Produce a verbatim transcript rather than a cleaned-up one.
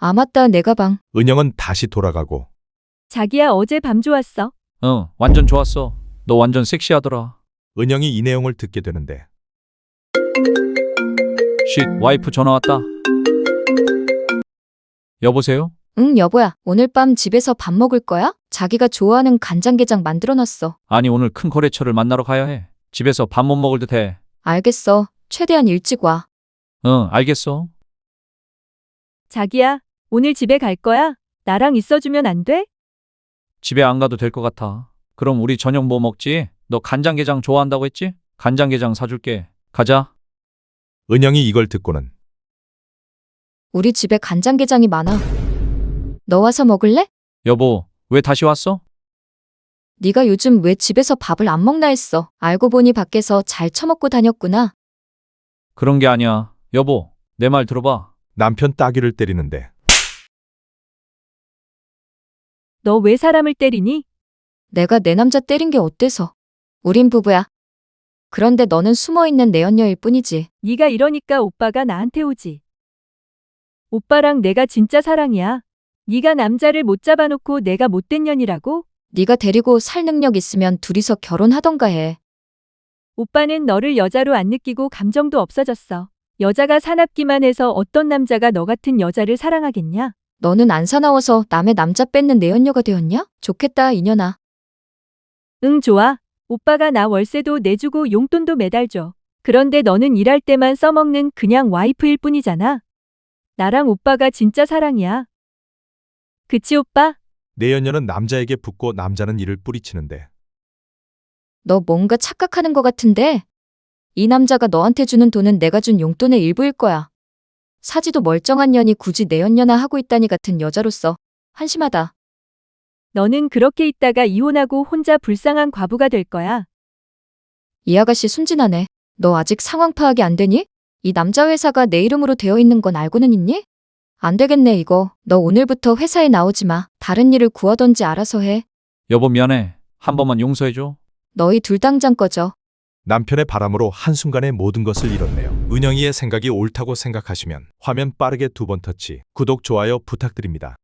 아, 맞다, 내 가방. 은영은 다시 돌아가고 자기야, 어제 밤 좋았어. 응, 완전 좋았어. 너 완전 섹시하더라. 은영이 이 내용을 듣게 되는데 쉿, 와이프 전화 왔다. 여보세요? 응, 여보야. 오늘 밤 집에서 밥 먹을 거야? 자기가 좋아하는 간장게장 만들어놨어. 아니, 오늘 큰 거래처를 만나러 가야 해. 집에서 밥 못 먹을 듯 해. 알겠어. 최대한 일찍 와. 응, 알겠어. 자기야, 오늘 집에 갈 거야? 나랑 있어주면 안 돼? 집에 안 가도 될 것 같아. 그럼 우리 저녁 뭐 먹지? 너 간장게장 좋아한다고 했지? 간장게장 사줄게. 가자. 은영이 이걸 듣고는 우리 집에 간장게장이 많아. 너 와서 먹을래? 여보, 왜 다시 왔어? 네가 요즘 왜 집에서 밥을 안 먹나 했어. 알고 보니 밖에서 잘 처먹고 다녔구나. 그런 게 아니야. 여보, 내 말 들어봐. 남편 따귀를 때리는데 너 왜 사람을 때리니? 내가 내 남자 때린 게 어때서? 우린 부부야. 그런데 너는 숨어있는 내연녀일 뿐이지. 네가 이러니까 오빠가 나한테 오지. 오빠랑 내가 진짜 사랑이야. 네가 남자를 못 잡아놓고 내가 못된 년이라고? 네가 데리고 살 능력 있으면 둘이서 결혼하던가 해. 오빠는 너를 여자로 안 느끼고 감정도 없어졌어. 여자가 사납기만 해서 어떤 남자가 너 같은 여자를 사랑하겠냐? 너는 안 사나워서 남의 남자 뺏는 내연녀가 되었냐? 좋겠다, 이년아. 응, 좋아. 오빠가 나 월세도 내주고 용돈도 매달 줘. 그런데 너는 일할 때만 써먹는 그냥 와이프일 뿐이잖아. 나랑 오빠가 진짜 사랑이야. 그치, 오빠? 내연녀는 남자에게 붙고 남자는 이를 뿌리치는데 너 뭔가 착각하는 것 같은데? 이 남자가 너한테 주는 돈은 내가 준 용돈의 일부일 거야. 사지도 멀쩡한 년이 굳이 내연녀나 하고 있다니 같은 여자로서 한심하다. 너는 그렇게 있다가 이혼하고 혼자 불쌍한 과부가 될 거야. 이 아가씨 순진하네. 너 아직 상황 파악이 안 되니? 이 남자 회사가 내 이름으로 되어 있는 건 알고는 있니? 안 되겠네, 이거. 너 오늘부터 회사에 나오지 마. 다른 일을 구하던지 알아서 해. 여보, 미안해. 한 번만 용서해줘. 너희 둘 당장 꺼져. 남편의 바람으로 한순간에 모든 것을 잃었네요. 은영이의 생각이 옳다고 생각하시면 화면 빠르게 두 번 터치, 구독, 좋아요 부탁드립니다.